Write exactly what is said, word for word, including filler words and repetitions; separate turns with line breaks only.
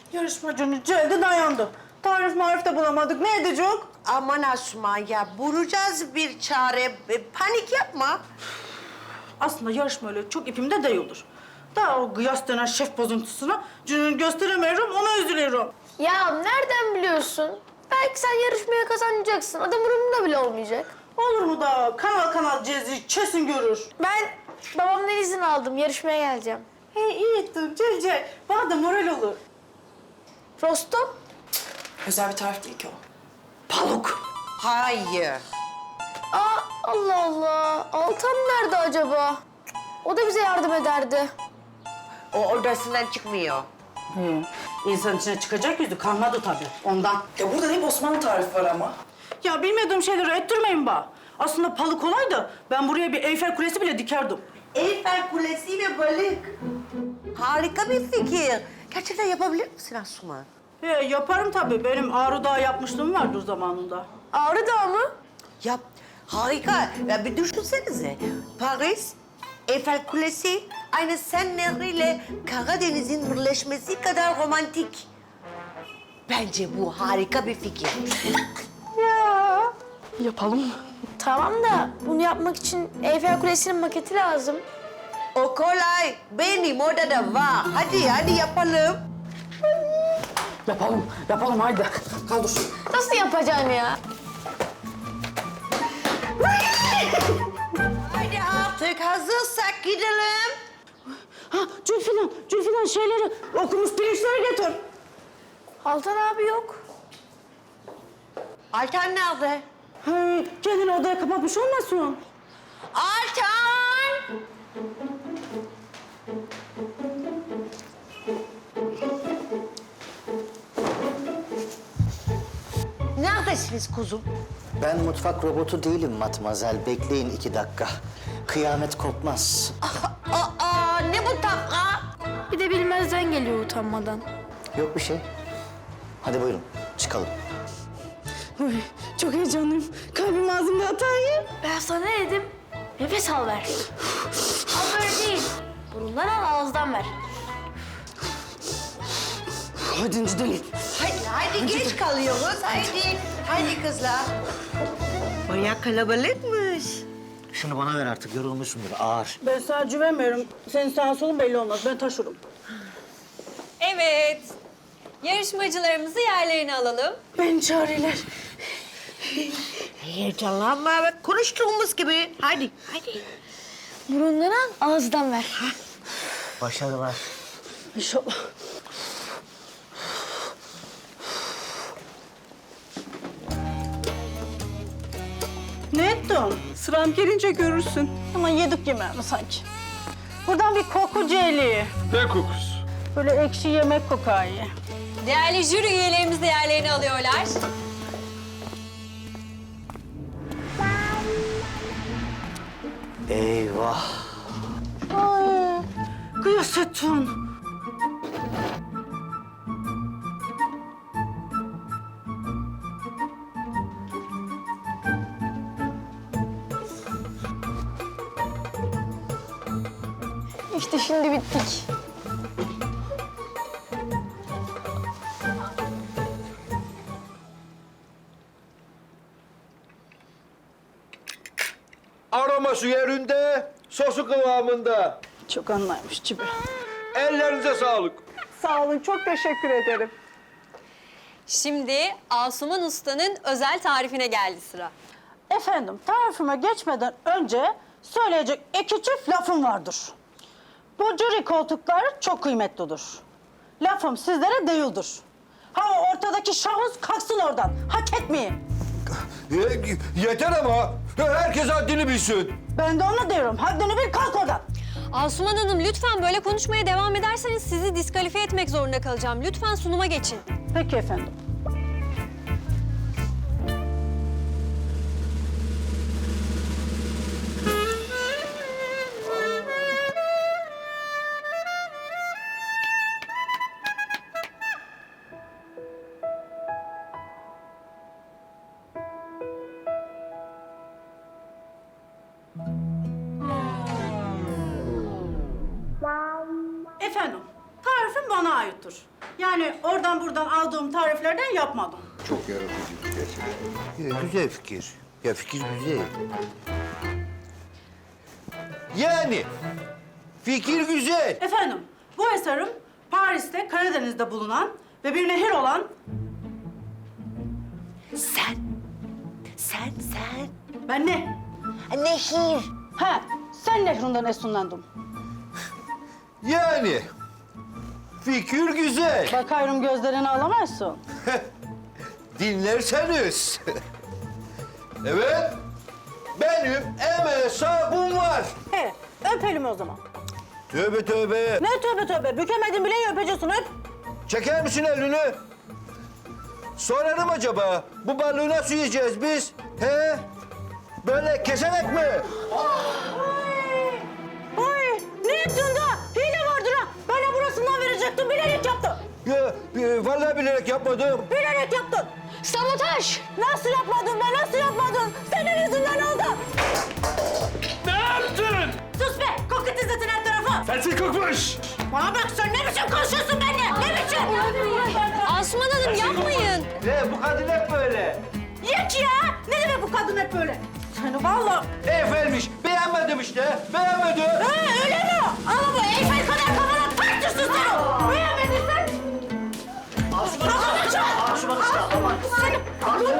Yarışmacının cildi dayandı. Tarif marif de bulamadık. Ne edecek?
Aman Asuman ya, bulacağız bir çare. E, Panik yapma.
Aslında yarışma öyle çok ipimde değildir. Daha o kıyas denen şef bozuntusuna cününü gösteremiyorum, ona üzülüyorum.
Ya nereden biliyorsun? Belki sen yarışmaya kazanacaksın. Adam umurumda bile olmayacak.
Olur mu da kanal kanal cezi kesin görür.
Ben babamdan izin aldım. Yarışmaya geleceğim.
He iyi ettin Cece. Bana da moral olur.
Rostom?
Özel bir tarif değil ki o.
Paluk.
Hayır.
Aa, Allah Allah. Altan nerede acaba? O da bize yardım ederdi.
O odasından çıkmıyor.
He. İnsan içine çıkacak yüzü kalmadı tabii ondan.
Ya burada hep Osmanlı tarifi var ama.
Ya bilmediğim şeyleri ettirmeyin bana. Aslında paluk olaydı. Ben buraya bir Eyfel Kulesi bile dikerdim.
Eyfel Kulesi ve balık. Harika bir fikir. Gerçekten yapabilir misin Asuman?
He, yaparım tabii. Benim Ağrı Dağı yapmışlığım vardır zamanında.
Ağrı Dağı mı?
Yap. Harika. Ya bir düşünsenize. Paris, Eyfel Kulesi, aynı Sen Nehri ile Karadeniz'in birleşmesi kadar romantik. Bence bu harika bir fikir.
Ya. Yapalım mı?
Tamam da bunu yapmak için Eyfel Kulesi'nin maketi lazım.
O kolay. Benim odada var. Hadi, hadi yapalım.
Yapalım, yapalım haydi. Kaldır.
Nasıl yapacaksın ya?
Hadi artık hazırsak gidelim.
Ha Zülfilan, Zülfilan şeyleri, okumuş pirinçleri getir.
Altan abi yok.
Altan nerede?
He, kendini odaya kapatmış olmasın?
Altan! Neredesiniz kuzum?
Ben mutfak robotu değilim matmazel. Bekleyin iki dakika. Kıyamet kopmaz.
Aa, ne bu taka?
Bir de bilmezden geliyor utanmadan.
Yok bir şey. Hadi buyurun çıkalım.
Ay, çok heyecanlıyım. Kalbim ağzımda atayım.
Ben sana ne dedim? Nefes al ver. Al böyle değil. Burundan al, ağızdan ver.
Hadi gidelim.
Hadi, hadi geç kalıyoruz. Haydi, haydi kızlar. Bayağı kalabalıkmış.
Şunu bana ver artık yorulmuşsundur ağır.
Ben sana güvenmiyorum. Senin sağın solun belli olmaz. Ben taşırım.
Evet. Yarışmacılarımızı yerlerine alalım.
Beni çağırıyorlar.
Heyecanlanma. Konuştuğumuz gibi. Hadi, hadi.
Burundan al, ağızdan ver.
Başarılar.
İnşallah. Ne ettin?
Sıram gelince görürsün.
Ama yedik yemeğimi sanki. Buradan bir koku celi.
Ne kokusu?
Böyle ekşi yemek kokayı.
Değerli jüri üyelerimiz de yerlerini alıyorlar.
Eyvah.
Ay, kıyasettin.
İşte şimdi bittik.
Aroması yerinde, sosu kıvamında.
Çok anlaymış gibi.
Ellerinize sağlık.
Sağ olun, çok teşekkür ederim.
Şimdi Asuman Usta'nın özel tarifine geldi sıra.
Efendim, tarifime geçmeden önce söyleyecek iki çift lafım vardır. Bu jüri koltukları çok kıymetlidir. Lafım sizlere değildir. Ha o ortadaki şahıs kalksın oradan. Hak etmeyin.
Ye- yeter ama. Herkes haddini bilsin.
Ben de onu diyorum. Haddini bil, kalk oradan.
Asuman Hanım lütfen böyle konuşmaya devam ederseniz sizi diskalifiye etmek zorunda kalacağım. Lütfen sunuma geçin.
Peki efendim. Efendim, tarifim bana ait. aittir. Yani oradan buradan aldığım tariflerden yapmadım.
Çok yaratıcı bir gerçekten. Ya, güzel fikir. Ya fikir güzel. Yani fikir güzel.
Efendim, bu eserim Paris'te, Karadeniz'de bulunan ve bir nehir olan...
Sen, sen, sen.
Ben ne?
Nehir.
Ha, sen nehrinden esinlendim.
Yani fikir güzel.
Bakıyorum gözlerini alamazsın.
Dinlerseniz. Evet. Benim emeğe sabun var.
He, öpelim o zaman.
Tövbe tövbe.
Ne tövbe tövbe, bükemedin bile öpeceksin, öp.
Çeker misin elini? Sorarım acaba, bu balığı nasıl yiyeceğiz biz? He? Böyle keserek mi?
Ay, ne yaptın da? Hile vardır ha. Bana burasından verecektin, bilerek yaptın.
Ya, e, vallahi bilerek yapmadım.
Bilerek yaptın.
Sabotaj!
Nasıl yapmadın be, nasıl yapmadın? Senin yüzünden oldu.
Ne yaptın?
Sus be, kokut izletin her tarafı.
Sensiz kokmuş.
Bana bak, sen ne biçim konuşuyorsun benimle? Ne biçim?
Asuman Hanım yapmayın.
Ne, bu kadın hep böyle.
Yek ya! Ne demek bu kadın hep böyle? Seni vallahi...
Eyfelmiş, beğenmedim işte, beğenmedim.
Ha, öyle mi? Ama bu Eyfel kadar kafana tartışsın seni. Beğenmedin sen. Asuman Usta. Asuman Usta. Asuman Usta.